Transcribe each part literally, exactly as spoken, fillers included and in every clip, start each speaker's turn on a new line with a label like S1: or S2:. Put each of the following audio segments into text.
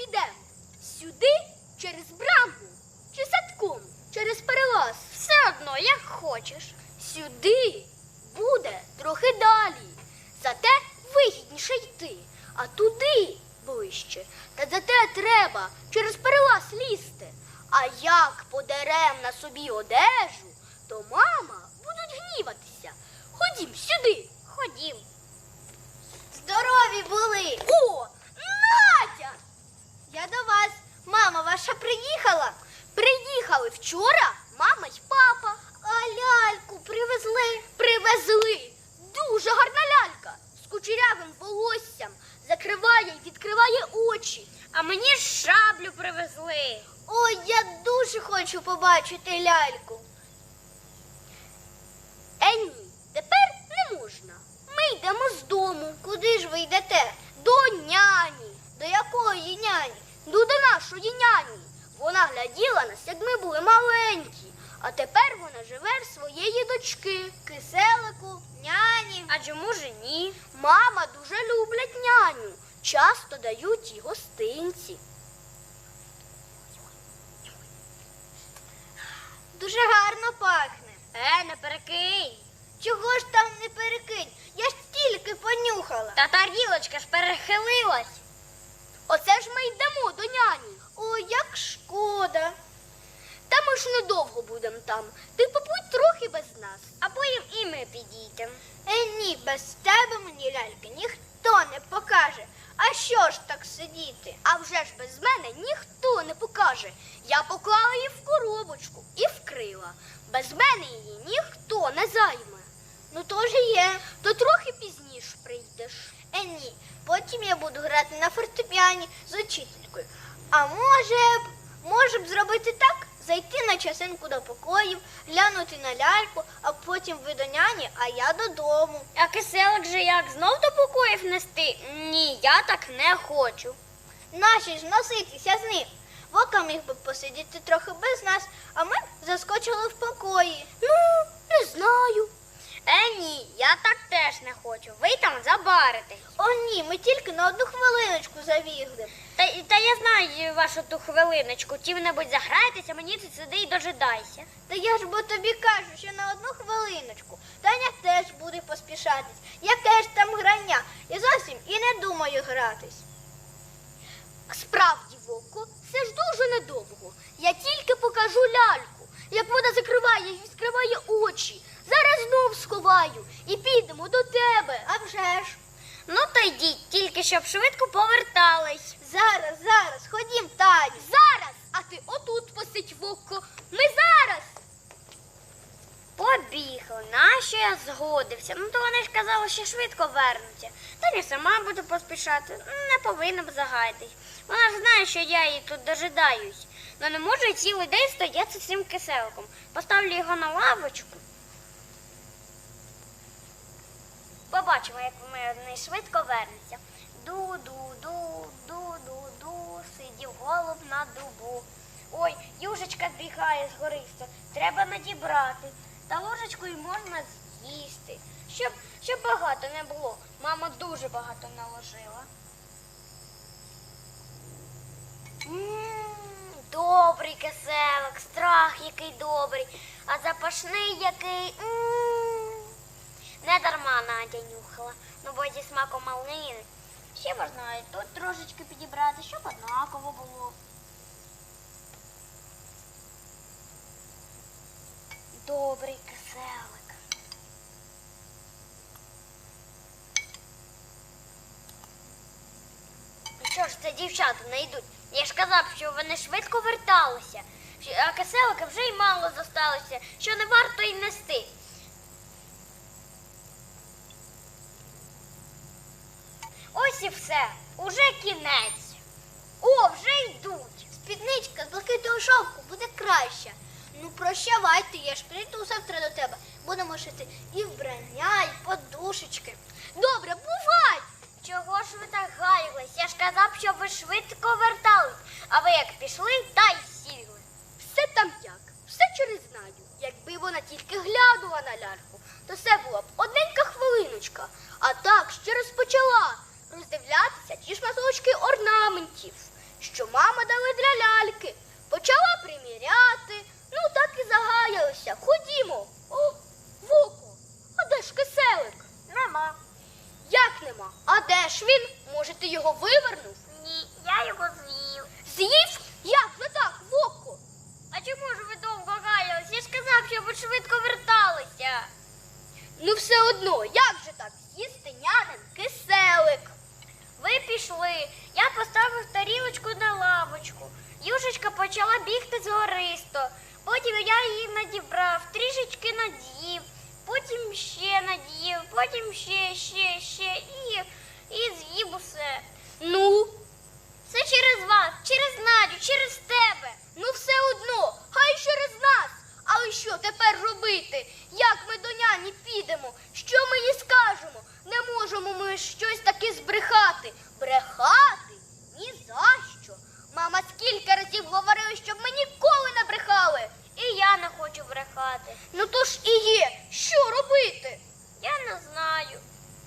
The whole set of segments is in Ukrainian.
S1: підемо? Сюди, через браму? Чи садком, через перелаз?
S2: Все одно, як хочеш.
S1: Сюди буде трохи далі. Зате вигідніше йти, а туди ближче. Та зате треба через перелаз лізти. А як подерем на собі одежу, то мама будуть гніватися. Ходім сюди.
S2: Ходім.
S3: Здорові були!
S1: О, Надя!
S3: Я до вас. Мама ваша приїхала?
S1: Приїхали вчора мама й папа.
S3: А ляльку привезли?
S1: Привезли. Дуже гарна лялька з кучерявим волоссям. Закриває й відкриває очі.
S2: А мені шаблю привезли.
S3: Ой, я дуже хочу побачити ляльку.
S1: Е, ні, тепер не можна. Ми йдемо з дому.
S3: Куди ж ви йдете?
S1: До няні.
S3: До якої няні?
S1: Ну, до нашої няні. Вона гляділа нас, як ми були маленькі. А тепер вона живе в своєї дочки.
S3: Киселику, няні.
S2: А чому ж ні?
S1: Мама дуже люблять няню. Часто дають їй гостинці.
S3: Дуже гарно пахне.
S2: Е, не перекинь.
S3: Чого ж там не перекинь? Я ж тільки понюхала.
S2: Та тарілочка ж перехилилась.
S1: Оце ж ми йдемо до няні.
S3: Ой, як шкода.
S1: Та ми ж недовго будемо там. Ти побудь трохи без нас.
S2: А потім і ми підійдемо.
S3: Е, ні, без тебе мені ляльки ніхто не покаже. А що ж так сидіти?
S1: А вже ж без мене ніхто не покаже. Я поклала її в коробочку і вкрила. Без мене її ніхто не займе.
S3: Ну то ж є.
S1: То трохи пізніше прийдеш.
S3: Е, ні, потім я буду грати на фортепіані з учителькою. А може б, може б зробити так? Зайти на часинку до покоїв, глянути на ляльку, а потім ви до няні, а я додому.
S2: А киселик же як знов до покоїв нести? Ні, я так не хочу.
S3: Наші ж носитися з ним. Вока міг би посидіти трохи без нас, а ми б заскочили в покої.
S1: Ну, не знаю.
S2: Е, ні, я так теж не хочу. Ви там забаритесь.
S3: О, ні, ми тільки на одну хвилиночку завігли.
S2: Та, та я знаю вашу ту хвилиночку. Чим-небудь заграйтеся, мені ти сиди і дожидайся.
S3: Та я ж бо тобі кажу, що на одну хвилиночку. Таня теж буде поспішатись. Яке ж там грання? Я зовсім і не думаю гратись.
S1: Справді, Вовко, це ж дуже недовго. Я тільки покажу ляльку, як вона закриває і відкриває очі. Зараз знов сховаю і підемо до тебе.
S3: А вже ж.
S2: Ну то йдіть, тільки щоб швидко повертались.
S3: Зараз, зараз, ходім, Таню.
S1: Зараз, а ти отут посидь, Вовко. Ми зараз.
S2: Побігли, нащо я згодився? Ну то вони ж казали, що швидко вернуться. Та я сама буду поспішати, не повинна б загайтись. Вона ж знає, що я її тут дожидаюсь. Ну не можу я цілий день стояти з цим киселиком. Поставлю його на лавочку. Побачимо, як вони швидко вернуться. Ду-ду-ду, ду-ду-ду, сидів голуб на дубу. Ой, южечка бігає з гориста, треба надібрати. Та ложечкою можна з'їсти, щоб, щоб багато не було. Мама дуже багато наложила. М-м, добрий киселик, страх який добрий, а запашний який. М-м. Не дарма Надя нюхала, ну бо зі смаком малини. Ще можна і тут трошечки підібрати, щоб однаково було. Добрий киселик. Ну що ж це дівчата не йдуть? Я ж казав, що вони швидко верталися, а киселика вже й мало зосталося, що не варто й нести. Ось і все, уже кінець. О, вже йдуть.
S3: Спідничка з блакитного шовку буде краща. Ну, прощавайте, я ж прийду завтра до тебе. Будемо шити і вбрання, і подушечки.
S1: Добре, бувай.
S2: Чого ж ви так гаялись? Я ж казав, що ви швидко вертались, а ви як пішли, та й сіли.
S1: Все там як, все через Надю. Якби вона тільки глянула на ляльку, то це була б одненька хвилиночка. А так ще розпочала роздивлятися ті шматочки орнаментів, що що мама дала для ляльки. Почала приміряти, ну так і загаялася. Ходімо. О, Воко, а де ж киселик?
S2: Нема.
S1: Як нема? А де ж він? Може, ти його вивернув?
S2: Ні, я його з'їв.
S1: З'їв? Як же так, Воко?
S2: А чому ж ви довго гаялись? Я ж казав, щоб ви швидко верталися.
S1: Ну все одно, як же так з'їсти нянин киселик?
S2: Ви пішли. Я поставив тарілочку на лавочку. Юшечка почала бігти згористо. Потім я її надібрав, трішечки над'їв, потім ще над'їв, потім ще, ще, ще і, і з'їв усе.
S1: Ну,
S2: Все через вас, через Надю, через тебе.
S1: ну все одно, хай через нас. Але що тепер робити? Як ми до няні підемо? Що ми їй скажемо? Не можемо ми щось таки збрехати. Брехати? Ні за що. Мама скільки разів говорила, щоб ми ніколи не брехали.
S2: І я не хочу брехати.
S1: Ну то ж і є. Що робити?
S2: Я не знаю.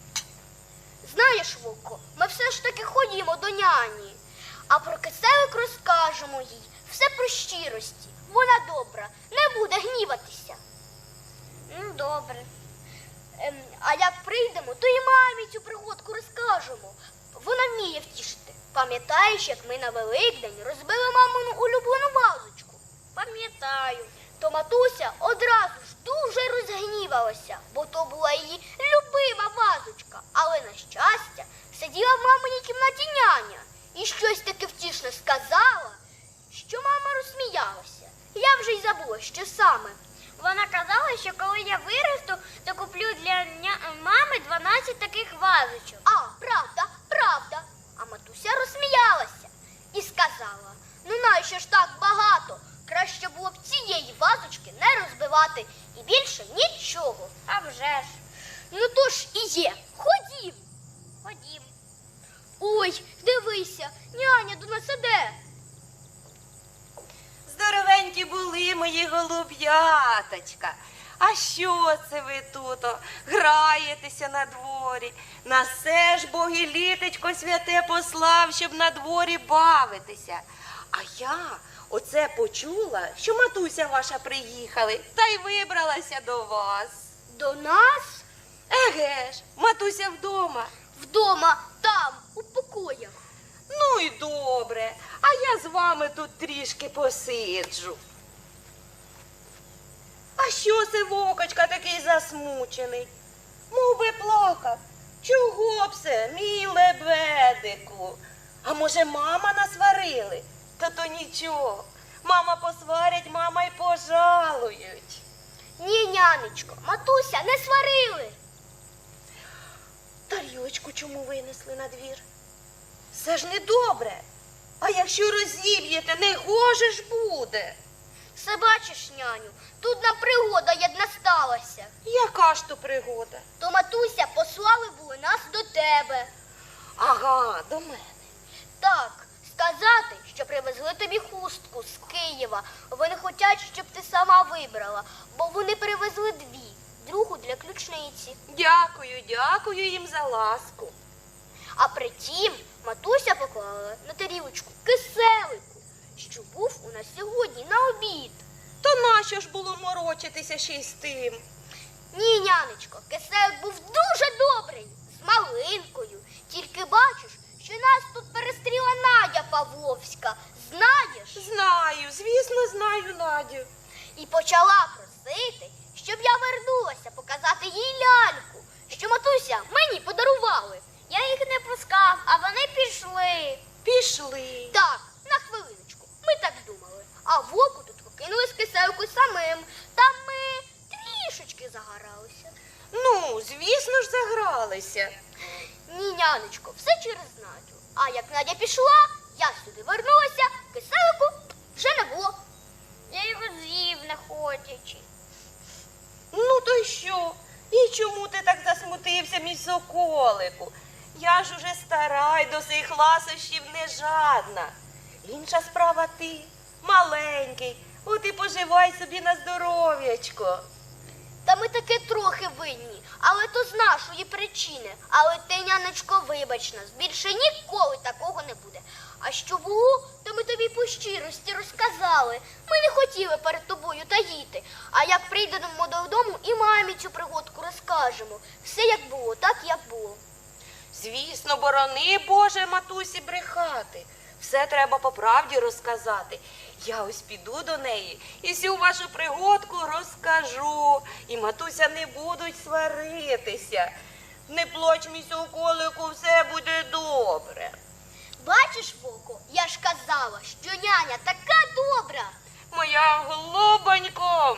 S1: Знаєш, Вовко, ми все ж таки ходімо до няні. А про киселик розкажемо їй. Все про щирості. Вона добра, не буде гніватися.
S2: Ну, добре.
S1: Ем, а як прийдемо, то і мамі цю пригодку розкажемо. Вона вміє втішити. Пам'ятаєш, як ми на Великдень розбили мамину улюблену вазочку?
S2: Пам'ятаю.
S1: То матуся одразу ж дуже розгнівалася, бо то була її любима вазочка. Але, на щастя, сиділа в маминій кімнаті няня і щось таке втішне сказала, що мама розсміялася. Я вже й забула, що саме.
S2: Вона казала, що коли я виросту, то куплю для ня- мами дванадцять таких вазочок.
S1: А, правда, правда. А матуся розсміялася і сказала, ну нащо ж так багато? Краще було б цієї вазочки не розбивати і більше нічого.
S2: А вже ж.
S1: Ну то ж і є. Ходім.
S2: Ходім.
S1: Ой, дивися, няня до нас іде.
S4: Здоровенькі були мої голуб'яточка. А що це ви тут о, граєтеся на дворі? На все ж Бог і літечко святе послав, щоб на дворі бавитися. А я оце почула, що матуся ваша приїхали, та й вибралася до вас.
S1: До нас?
S4: Еге ж, матуся вдома.
S1: Вдома, там, у покоях.
S4: Ну й добре, а я з вами тут трішки посиджу. А що це Вокочка такий засмучений? Мов би плакав. Чого б це, мій лебедику? А може, мама насварили? Та то нічого. Мама посварять, мама й пожалують.
S1: Ні, нянечко, матуся, не сварили.
S4: Тарілочку чому винесли на двір? Це ж недобре. А якщо розіб'єте, не гоже ж буде.
S1: Все бачиш, няню, тут нам пригода єдна сталася.
S4: Яка ж то пригода?
S1: То матуся послали були нас до тебе.
S4: Ага, до мене.
S1: Так, сказати, що привезли тобі хустку з Києва. Вони хочуть, щоб ти сама вибрала, бо вони привезли дві, другу для ключниці.
S4: Дякую, дякую їм за ласку.
S1: А притім матуся поклала на тарілочку киселику, що був у нас сьогодні на обід.
S4: То нащо ж було морочитися ще й з тим?
S1: Ні, нянечко, киселик був дуже добрий, з малинкою. Тільки бачиш, що нас тут перестріла Надя Павловська. Знаєш?
S4: Знаю, звісно, знаю, Надю.
S1: І почала просити, щоб я вернулася показати їй ляльку, що матуся мені подарували.
S2: Я їх не пускав, а вони пішли.
S4: Пішли.
S1: Так, на хвилиночку, ми так думали. А Воку тут покинули з киселику самим. Там ми трішечки загоралися.
S4: Ну, звісно ж, загралися.
S1: Ні, нянечко, все через Надю. А як Надя пішла, я сюди вернулася, киселику вже не було.
S2: Я його з'їв, не хочучи.
S4: Ну, то й що? І чому ти так засмутився, мій соколику? Я ж уже стара й до цих ласощів не жадна. Інша справа ти, маленький, от і поживай собі на здоров'ячко.
S1: Та Та ми таки трохи винні, але то з нашої причини. Але ти, нянечко, вибач нас, більше ніколи такого не буде. А що було, то ми тобі по щирості розказали. Ми не хотіли перед тобою таїти. А як прийдемо додому, і мамі цю пригодку розкажемо. Все як було, так як було.
S4: Звісно, борони, Боже, матусі, брехати. Все треба по правді розказати. Я ось піду до неї і всю вашу пригодку розкажу. І матуся не будуть сваритися. Не плач, мій соколику, все буде добре.
S1: Бачиш, Вовко, я ж казала, що няня така добра.
S4: Моя голубонько,